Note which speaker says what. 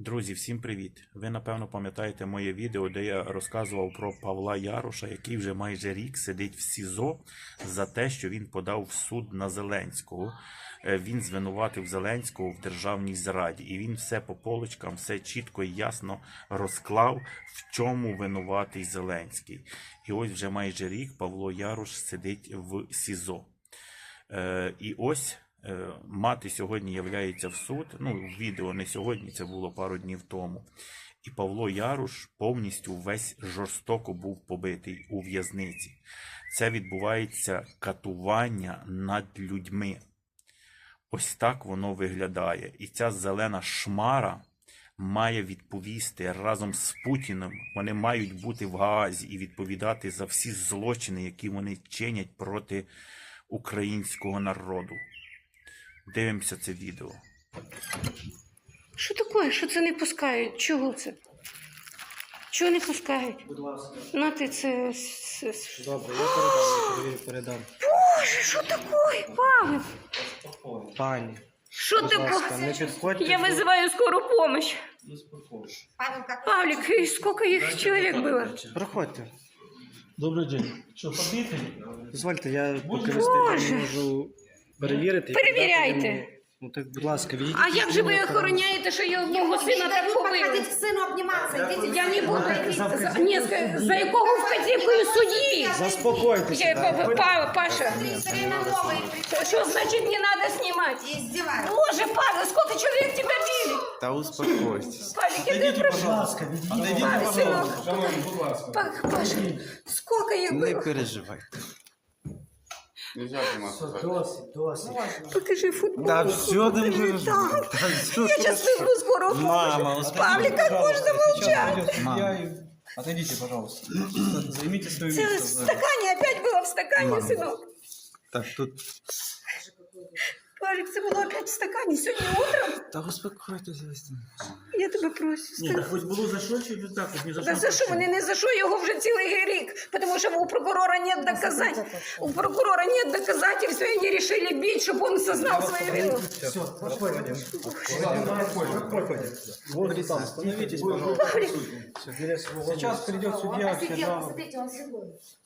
Speaker 1: Друзі, всім привіт! Ви, напевно, пам'ятаєте моє відео, де я розказував про Павла Яроша, який вже майже рік сидить в СІЗО за те, що він подав в суд на Зеленського. Він звинуватив Зеленського в державній зраді. І він все по полочкам, все чітко і ясно розклав, в чому винуватий Зеленський. І ось вже майже рік Павло Ярош сидить в СІЗО. І ось мати сьогодні являється в суд, відео не сьогодні, це було пару днів тому. І Павло Ярош повністю весь жорстоко був побитий у в'язниці. Це відбувається катування над людьми. Ось так воно виглядає. І ця зелена шмара має відповісти разом з Путіним. Вони мають бути в Гаазі і відповідати за всі злочини, які вони чинять проти українського народу. Дивимося це відео.
Speaker 2: Що таке? Що це не пускають? Чого це? Чого не пускають?
Speaker 3: Будь ласка.
Speaker 2: На ти це...
Speaker 3: Добре, я передам.
Speaker 2: Боже, що таке, Павло?
Speaker 3: Пані,
Speaker 2: Що
Speaker 3: будь ласка,
Speaker 2: таке?
Speaker 3: не підходьте.
Speaker 2: Я вызываю скорую помощь. Павлик, и сколько их человек было?
Speaker 3: Проходьте.
Speaker 4: Добрий день. Що, побитий?
Speaker 3: Дозвольте, я поки
Speaker 2: Боже.
Speaker 3: можу перевірити. і
Speaker 2: Перевіряйте.
Speaker 3: передати йому. Ну так, будь ласка, відійдіть.
Speaker 2: А як же ви охороняєте, що я мого сина так побили?
Speaker 5: Подходите к сыну обниматься. Идите.
Speaker 2: Я не буду. Ні, за якого вказівкою судді?
Speaker 3: Заспокойтеся.
Speaker 2: Паша,
Speaker 5: Время новое.
Speaker 2: що значить не надо знімати?
Speaker 5: Издеваться.
Speaker 2: Боже, Павел, сколько человек тебя били?
Speaker 6: Да успокойтесь.
Speaker 2: Павлик, я тебя прошу.
Speaker 3: ласка, відійдіть.
Speaker 2: Павел, сынок. Паша, сколько их
Speaker 6: Не
Speaker 2: было?
Speaker 6: переживайте.
Speaker 4: Нельзя
Speaker 3: Все, досить.
Speaker 2: Покажи футбол.
Speaker 6: Да все не переживайте.
Speaker 2: Я сейчас вызову скорую помощь.
Speaker 6: Мама,
Speaker 2: Павлик, как можно молчать?
Speaker 4: Отойдите, пожалуйста. Займите свое
Speaker 2: Це в
Speaker 4: место.
Speaker 2: стакані, опять было в стакане, сынок.
Speaker 6: Так, тут...
Speaker 2: Павлик, це було опять в стакані сьогодні утром.
Speaker 6: Да успокойтесь.
Speaker 2: Я тебе прошу.
Speaker 4: Ні, так хоч було за що чи так, хоч не за
Speaker 2: Да
Speaker 4: що?
Speaker 2: за що? Вони не за що, його вже цілий рік. Потому что у прокурора нет доказательств. У прокурора нет доказательств, и они решили бить, чтобы он сознал свою вину.
Speaker 3: Все, проходим. Вот там, становитесь, пожалуйста.
Speaker 2: Павлик,
Speaker 3: Сейчас придет судья, все
Speaker 5: Посидел,
Speaker 3: дамы.
Speaker 5: посмотрите, он седой.